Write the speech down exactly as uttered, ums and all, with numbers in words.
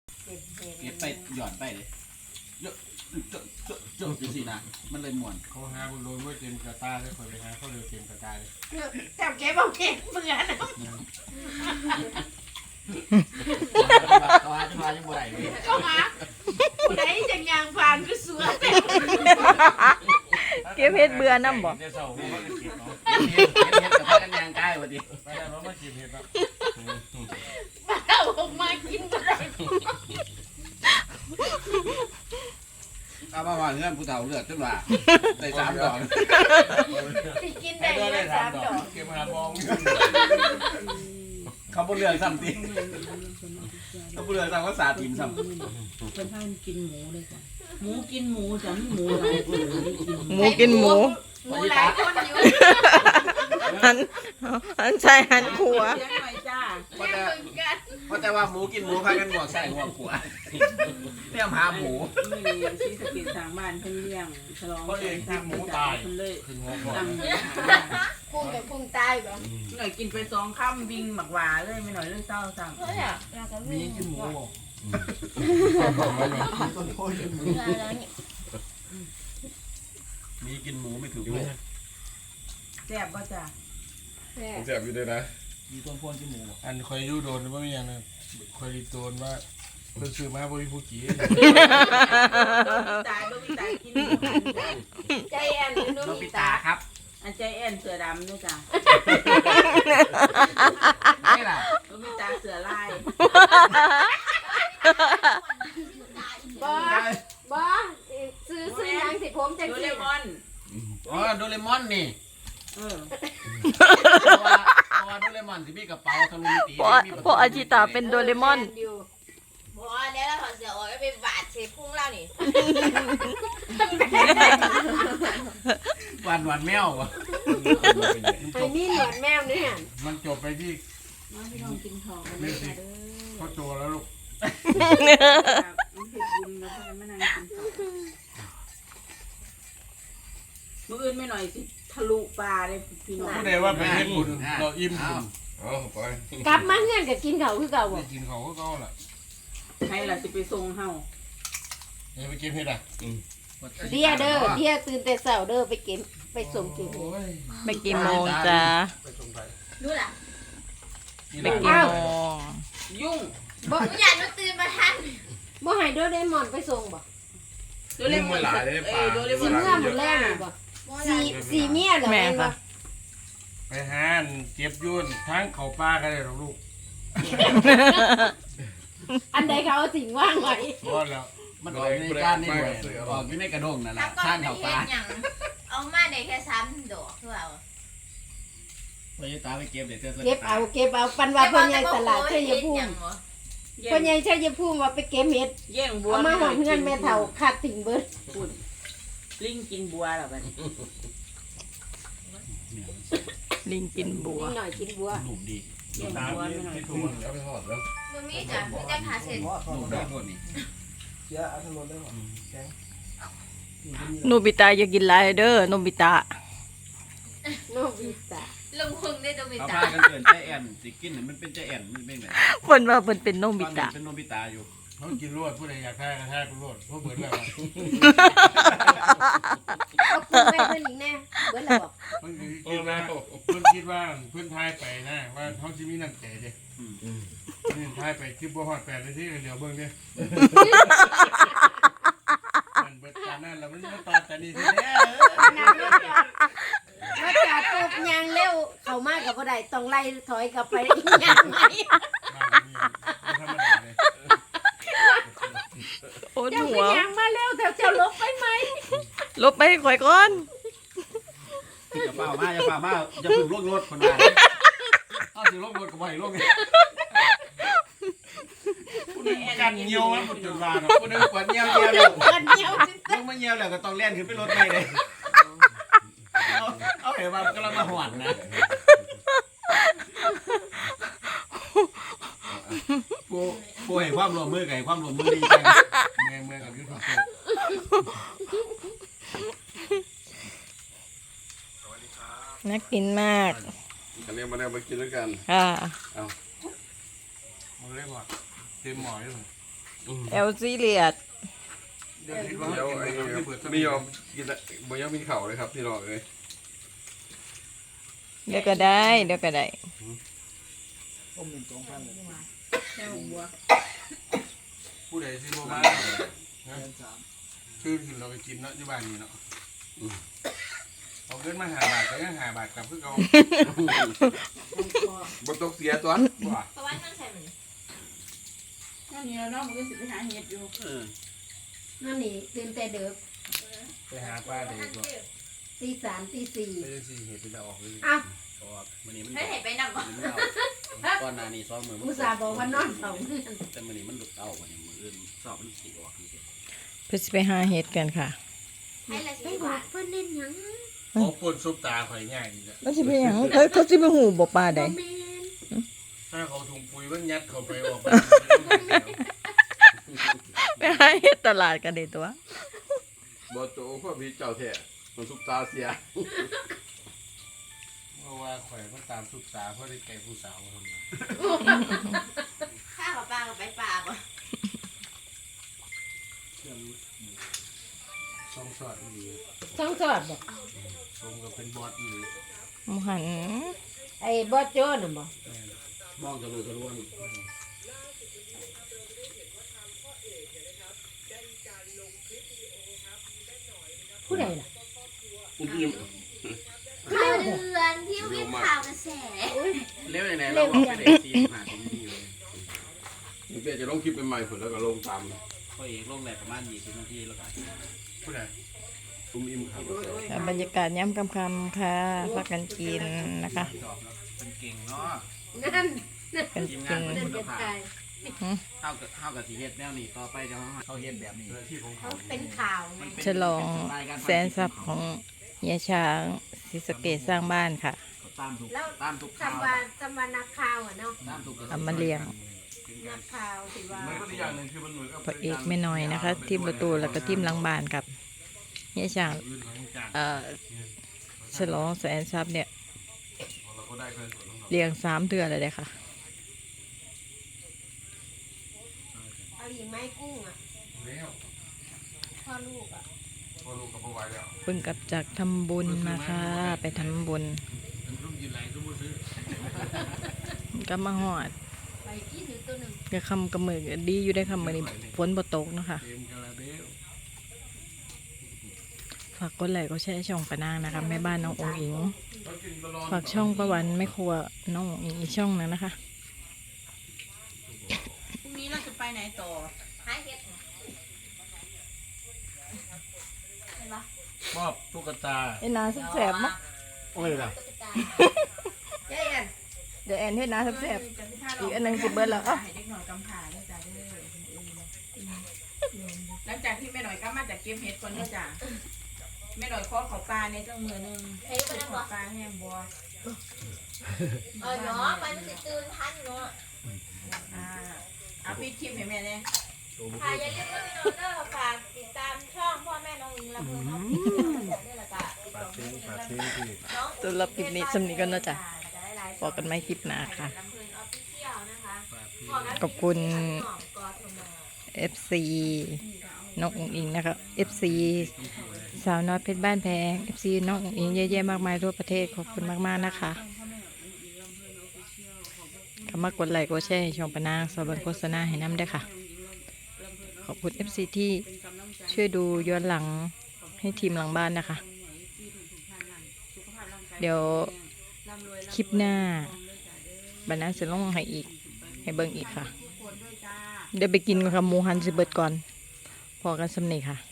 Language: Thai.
เก็บไปหย่อนไปเลยเยอะเจอะเจอะเจอะจริงๆนะมันเลยม่วนเขาหาบุญโดนว่าเต็มกระตาได้คนไปหาเขาเร็วเต็มกระตาเลยจับเก็บเอาเก็บเบื่อนะตัวตัวยังบ่ได้เลยเข้ามาไหนจังยางผ่านก็สวยเก็บเฮ็ดเบื่อน้ำบ่เดี๋ยวเสาร์เขาจะเก็บเนาะเฮ็ดเฮ็ดเฮ็ดกับพากันยางกายวันนี้ไปแล้วเรามาเก็บเห็ดแล้วเอาออกมากินก็ได้เอามาว่าเงื่อนผู้เฒ่าเลือดจนว่าได้สามดอกที่กินได้เลยสามดอกเก็บหาบองเขาบ่เลือกซ้ำติเขาบ่เลือกซ้ำก็สาทีมซ้ำเพิ่นพากินหมูเลยจ้ะหมูกินหมูจ้ะมีหมูหลายตัวได้กินหมูกินหมูหมูหลายคนอยู่หันหันใส่หันขัวเลี้ยงหน่อยจ้าเพราะแต่เหมือนกันเพราะแต่ว่าหมูกินหมูพากันหัวใส่หัวขวาเตรียมหาหมูไม่มีซีสะเก็ดทางบ้านเพิ่นเลี้ยงฉลองเพิ่นเลยขึ้นหัวก่อนตั้งพุ่งกับพุ่งตายบ่หน่อยกินไปสองคำวิ่งหมักหวาเลยไม่หน่อยเลยเศร้าสั่งเฮ้ยอ่ะเราจะมีวิ่งกินหมูบ่มีกินหมูไม่ถูกเลยแซ่บบ่จ้ะแซ่บอยู่ด้วยนะมีต้นพ่นกินหมูอันคอยยูโดนว่าไม่ยังนะคอยรีโดนว่าเพิ่นซื้อมาบ่มีผู้กี่ตายบ่มีตายกินหมูจ้ะใจแอนหรือโนนุ่บิมตาตาครับอันใจแอนเสือดำด้วยจ้ะนี่ล่ะบ่มีตาเสือลายบ่บ่ซื้อซื้อยังสิผมจะโดกิเรนมอนอ๋อโดเรมอนนี่เออเพราะว่าเพราะว่าโดเรมอนสิมีกระเป๋าทะลุมิติเพราะเพราะอาชิตาเป็นโดเรมอนบ่แล้วเราถอดเสื้อออกแล้วไปบาดเสพุ่งเรานี่หวานหวานแมววะไอ้นี่หนวดแมวเนี่ยมันจบไปที่มาพี่น้องกินของกันเลยค่ะเด้อพ่อโจแล้วลูกมันเฮ็ดบุญแล้วก็มานั่งกินข้าวมื้ออื่นไม่หน่อยสิทะลุปลาเลยพี่น้องผู้ใดว่าไปเฮ็ดบุญเราอิ่มบุญเอาไปกลับมาเฮือนก็กินเขาคือเก่าบ่ได้กินเขาก็เก่าล่ะใครล่ะสิไปส่งเฮาเดี๋ยวไปเก็บเห็ดอ่ะเดียเด้อเดียตื่นแต่เช้าเด้อไปเก็บไปส่งเก็บโอ้ยไปกี่โมงจ้าไปส่งไปดูล่ะนี่ไปล่ะกี่โมงยุ่งบ่อยากมาตื่นมาทันบ่ให้โดเรมอนไปส่งบ่โดเรมอนเอ้ยโดเรมสิอนเมื่อหมดแรกนี่บ่สีสีเมียเหรอแม่แม่นบ่ค่ะไปหาอันเก็บยุ่นทั้งเขาป้ากันเลยหรอกลูกอันใดเขาเอาสิ่งว่างไว้รอดแล้วมันออกอยู่ในก้านนี่ด้วยออกอยู่ในกระด้งนั่นแหละข้างเขาปลาเอามาได้แค่สามดอกคือเอาพยาตาไปเก็บเดี๋ยวเธอเก็บเอาเก็บเอาปันว่าเพิ่นใหญ่ตลาดชัยภูมิแย่เพิ่นงใหญ่ชัยภูมิว่าไปเก็บเห็ดแย่งบัวเอามาหอมเฮือนแม่เฒ่าขาดติ่งเบิดพูดลิงกินบัวเหรอบัดนี้ลิงกินบัวนิดหน่อยกินบัวหนุ่มดีแย่งบัวไม่หน่อยทุ่มเอาไปทอดแล้วบ่มีจ้ะมีแต่ขาเสร็จหนุ่มดีพวกนี้โนบิตะอย่ากินหลายเด้อโนบิตะโนบิตะลงพุงได้ตัวมีเขาตาพากันเกินใจแอนสิกินมันเป็นใจแอนมันเป็นไงเพิ่นว่าเพิ่นเป็นโนบิตะเป็นโนบิตาอยู่เขากินรวดผู้ใดอยากทายก็ทายกูรวดเพราะเบิดแล้วเอาปูไปเพิ่นอีกแน่เบิดแล้วบอกเพิ่นคิดว่าเพิ่นคิดว่าเพิ่นทายไปนะว่าเขาสิมีน้ำใจเด้นี่ทายไปคลิปบ่ฮอดแปดนาทีเดี๋ยวเบิ่งเด้มันเบิดการนั้นแล้วมันมาตอดแต่นี่สิแน่นางรถจอดรถจอดปุ๊บยางเร็วเข้ามาก็บ่ได้ต้องไล่ถอยกลับไปอีกยางไหมบ้านนี่บ่ธรรมดาเลยโอ้เจ้าหัก็วยางมาเร็วแต่เจ้าลบไปไหมลบไปให้ข่อยก่อนอย่าเปล่ามาอย่าเปล่ามาอย่าพึ่งลงรถคนนั้นเอาสิลงรถก็บ่ให้ลงผู้นึงกันเหี่ยวมันจนว่าเนาะคนนึงกวดเงี้ยวเงี้ยวแล้วเกินเดียวสิลงมาเงี้ยวแล้วก็ต้องเล่นขึ้นไปรถไปเลยเอาเอาเห็นว่ากำลังมาหวานนะผู้ผู้ให้ความร่วมมือกับให้ความร่วมมือดีจังเมืองเมืองกับยูทูบเบอร์น่ากินมากอันนี้มาแนวมากินด้วยกันค่ะมันเรียกว่าเต็มหมออยู่แอลซีเรียดเดี๋ยวคิดว่าเดี๋ยวกินไอ้ไปก่อนที่เปิดมียอมกินละบ่ยังมีเข่าเลยครับพี่น้องเลยเดี๋ยวก็ได้เดี๋ยวก็ได้แค่หัวผู้ใดซื้อบ่มาซื้อกินเราไปกินเนาะที่บ้านนี่เนาะเอาเงินมาหาบาทก็ยังหาบาทกลับคือเก่าบ่ตกเสียตัวบ่เพราะว่ามันใส่เหมือนนั่นนี่แล้วเนาะมันก็สิไปหาเห็ดอยู่นั่นนี่ตื่นแต่เด็กไปหาป้าเด็กก็ตีสามตีสี่ไม่ได้สิเห็ดเป็นออกเลยอ้าวเพราะว่ามื้อนี้มันให้เห็นไปนั่งก่อนมันเอาก่อนหน้านี้ซ้อมมือมันอุตส่าห์บอกว่านอนสองเดือนแต่มื้อนี้มันหลุดเอาวันนี้มื้ออื่นสอบมันสิออกนี่สิเพื่อสิไปหาเห็ดกันค่ะให้ละไปสิบอบาก ทเพื่อนเล่นหยังเขาปนซุปตาข่อยง่ายดีจ้ะแล้วสิไปหยังเขาเขาสิไปหูบ่ปลาใดแมนถ้าเขาถุงปุ๋ยมันยัดเข้าไปออกไปไปหาเห็ดตลาดกันเด้ตัวบ่โตพวกพี่เจ้าแท้มันสุกตาเสียเพราะว่าข่อยมันตามซุปตาเพราะได้แก่ผู้สาวคนละข้าวกับปลากับไปปลาบ่สองสอดอีหลีช่องสอดบอกสมกับเป็นบอสอีหลีหมูหันไอ้บอสโจ้น่ะบอกมองทะลุทะลวงผู้ใดล่ะอุ้มยิ้มข่าวเดือนที่วิ่งข่าวกระแสเร็วยังไงเราบอกไปได้สี่สิบห้าทีดีเลยนี่เปียจะลงคลิปใหม่ๆผลแล้วก็ลงตามพอเอกลงแรกประมาณยี่สิบนาทีแล้วก็ผู้ใดอุ้มอิ่มครับบรรยากาศย้ำคำคำๆค่ะพักกันกินนะคะสอบแล้วเป็นเก่งเนาะนั่นกันทีกิมนงานเป็นนั่นคุณจะภาพตายเท่ากับเท่ากับสีเฮ็ดแนวนี้ต่อไปจะเขาเฮ็ดแบบนี้เจ้าที่ของเขาเขาเป็นข่าวไงฉลองแสนทรัพย์ของเฮียช้างศรีสะเกษสร้างบ้านค่ะตามทุกแล้วตามทุกข่าวจำวันจำวันนักข่าวอ่ะเนาะตามทุกกระแสเอามาเลี้ยงนักข่าวสิว่ามันก็อีกอย่างหนึ่งคือมันเหมือนกับพระเอกไม่น้อยนะคะทีมประตูแล้วก็ทีมหลังบ้านกับเฮียช้างอื่นหลังจากเอ่อฉลองแสนทรัพย์เนี่ยเราก็ได้เงินส่วนของเราเลี้ยงสามเดือนเลยเด้อค่ะเอาอีกไหม้กุ้งอ่ะแล้วพ่อลูกอ่ะพอลูกกับพ่อไว้แล้วเพิ่งกลับจากทำบุญมาค่ะ ไปทำบุญเป็นรุ่มยินไรรุ่มมือซื้อก็มาหอดไปกินหรือตัวหนึ่งก็คำกระมือดีอยู่ได้คำมือนี้ฝนบ่ตกเนาะคะเต็มคาราเบลฝากกดไลค์กดแชร์ช่องปะนางนะคะแม่บ้านน้ององอิงเขากินตลอดฝากช่องประวันไม่ครัวน้ององอิงอีกช่องนึงนะคะพรุ่งนี้เราจะไปไหนต่อหาเห็ดเห็นปะมอบตุ๊กตาเอ็นนาแสบๆมั้งโอ้ยล่ะตุ๊กตาเจ๊ยันเดี๋ยวแอนเฮ็ดนาแสบ อีกอันหนึ่งสิเบิดแล้วเอ้าให้เด็กหน่อยกำผ่าแล้วจ้ะเด้อหลังจากที่แม่หน่อยก็มาจากเก็บเห็ดก่อนเด้อจ้ะแม่หน่อยขอเขาปลาในจังมือหนึงเฮ้ยไปนั่งขบ่อปลาแห้งบัวเออเนาะมันสิตื่นทันเนาะอ่าเอาปิดคลิปให้แม่เนี่ยค่ะอย่าลืมว่าพี่น้องเด้อฝากติดตามช่องพ่อแม่น้องอิงและเพื่อนน้องอิงด้วยละกันปากเสียงปากเสียงที่น้องตัวรับคลิปนี้สำนีกันเนาะจ้ะบอกกันไม่คลิปหน้าค่ะลำเพลินออฟฟิเชียลนะคะขอบคุณหอมกอทมเอฟ ซี น้ององอิงนะคะ เอฟ ซี สาวน้อยเพชรบ้านแพง เอฟ ซี น้ององอิงเยอะแยะมากมายทั่วประเทศขอบคุณมากๆนะคะก็มากดไลค์กดแชร์ให้ช่องปะนางสบันโฆษณาให้น้ำด้วยค่ะ ขอบคุณ เอฟ ซี ที่ช่วยดูย้อนหลังให้ทีมหลังบ้านนะคะ เดี๋ยวคลิปหน้าบรรณาจะลงให้อีก ให้เบิ่งอีกค่ะ เดี๋ยวไปกินกับหมูหันสิเบิดก่อน พอกันสำเนีค่ะ